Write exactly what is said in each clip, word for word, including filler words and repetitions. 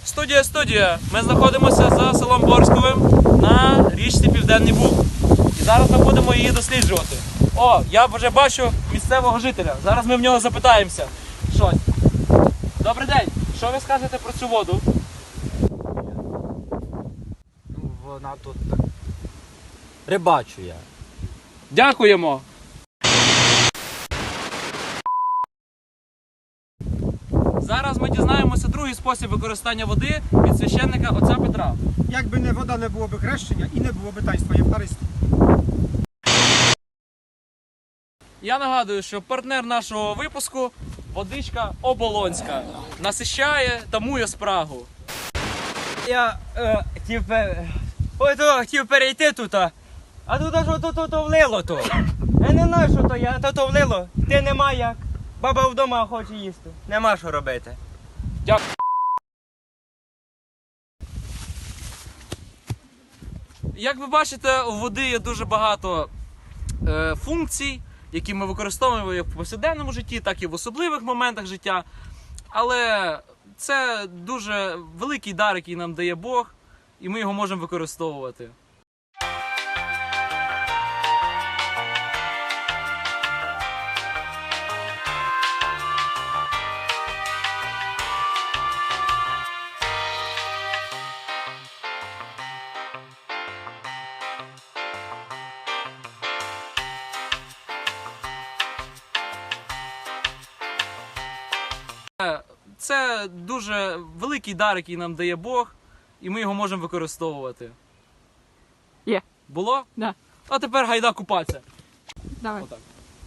Студія, студія. Ми знаходимося за селом Борськовим на річці Південний Буг. І зараз ми будемо її досліджувати. О, я вже бачу місцевого жителя. Зараз ми в нього запитаємося щось. Добрий день. Що ви скажете про цю воду? Ну, вона тут так. Рибачу я. Дякуємо. Зараз ми дізнаємося другий спосіб використання води від священника отця Петра. Якби не вода, не було б хрещення і не було б таїнства Євхаристії. Я нагадую, що партнер нашого випуску – водичка Оболонська. Насищає, тамує спрагу. Я е, хотів, пе- ото, хотів перейти тут, а, а тут аж ото то, то влило то. Я не знаю, що то я, то то влило. Ти нема як. Баба вдома хоче їсти. Нема що робити. Дякую. Як ви бачите, у води є дуже багато е, функцій, які ми використовуємо як в повсякденному житті, так і в особливих моментах життя. Але це дуже великий дар, який нам дає Бог, і ми його можемо використовувати. Це дуже великий дар, який нам дає Бог, і ми його можемо використовувати. Є. Було? Да. А тепер гайда купатися. Давай. Отак.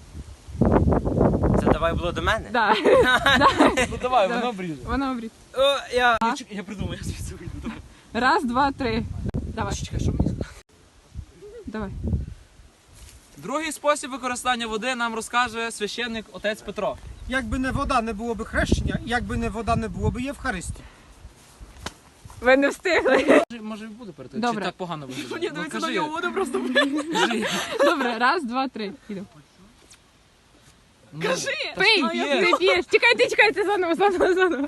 Це давай було до мене? Да. Ну давай, Да. воно обріже. Вона обріз. О, я... Я, чек- я придумав, я звідси вийду. Давай. Раз, два, три. Давай. Чекай, що мені сказати? Давай. Другий спосіб використання води нам розкаже священник отець Петро. Якби не вода, не було б хрещення, і якби не вода, не було б Євхаристії. Ви не встигли. Може, може буде перед Добре. Чи так погано виглядає? Ні, Ну, дивіться на кажи. нього, воно просто. Кажи. Добре, раз, два, три. Іду. Ну, Кажи! та Пий! що є? Ти п'єш! Чекайте, чекайте, заново, заново, заново.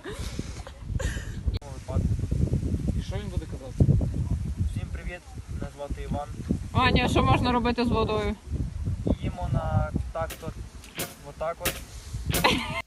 І що він буде казати? Всім привіт, мене звати Іван. Аня, що можна робити з водою? Їмо на так от, отак от.